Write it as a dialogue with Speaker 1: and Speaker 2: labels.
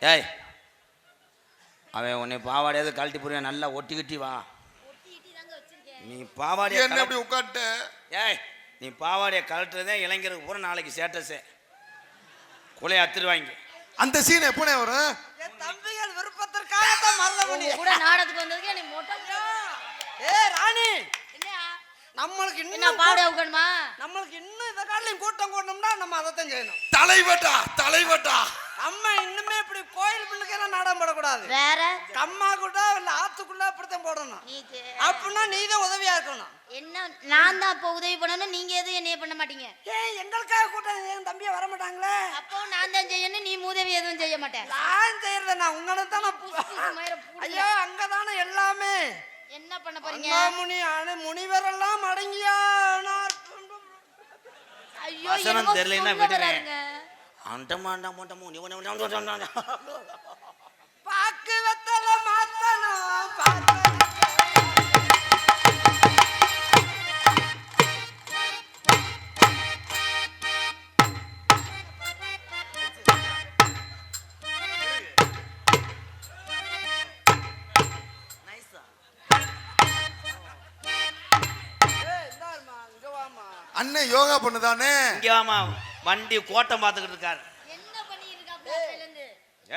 Speaker 1: ஏய் அவன் உன்னை பாவாடையாவது கழட்டி போறியா, நல்லா ஒட்டிக்கிட்டி வா. நீ பாவாடைய
Speaker 2: என்ன அப்படி உட்காந்துட்ட?
Speaker 1: ஏய் நீ பாவாடைய கழட்டுறதே இளைஞருக்கு பூரா நாளைக்கு சேட்டஸே குலைய அத்துருவாங்க.
Speaker 2: அந்த சீன் எப்பனே வரும்?
Speaker 3: தம்பிகள் விருப்பத்திற்காக மறந்தபடி
Speaker 4: கூட நாடகத்துக்கு வந்ததுக்கு நீ மொட்டை.
Speaker 3: ராணி
Speaker 4: என்னையா
Speaker 3: நம்மளுக்கு
Speaker 4: என்ன
Speaker 3: இன்னும்
Speaker 4: பாவடை உட்காணுமா?
Speaker 3: நம்மளுக்கு இன்னும் இந்த காலையும் கூட்டம் கூட்டணும்னா நம்ம அதைத்தான் செய்யணும்.
Speaker 2: தலைவட்டா
Speaker 3: நம்ம இன்னுமே இப்படி கோயில் பிள்ளைக்கெல்லாம் நாடகம் போடக்கூடாது.
Speaker 4: வேற
Speaker 3: கம்மா கூட இல்ல ஆத்துக்குள்ள அப்படித்தான் போடணும். அப்படின்னா நீதான் உதவியா இருக்கணும்.
Speaker 4: என்ன நான் தான் அப்போ உதவி பண்ணணும், நீங்க எதுவும் என்னைய பண்ண மாட்டீங்க.
Speaker 3: ஏன் எங்களுக்காக கூட்டம் என் தம்பியை வர மாட்டாங்களே?
Speaker 4: அப்போ நான் தான் செய்யணும், நீ உதவி எதுவும் செய்ய மாட்டேன்.
Speaker 3: நான் செய்யறத நான் உங்களை தானே. ஐயோ அங்கதானே எல்லாமே.
Speaker 4: என்ன பண்ண போறீங்க?
Speaker 3: முனிவரெல்லாம் அடங்கியா?
Speaker 4: ஐயோ
Speaker 1: வசனம் தெரியலன்னா விடுவேன்.
Speaker 3: பாக்கு வெத்தல மாத்தணும்.
Speaker 2: அண்ணே யோகா பண்ணுதானே?
Speaker 1: இங்க வாமா, வண்டி கோட்டம் பார்த்துக்கிட்டு இருக்காரு.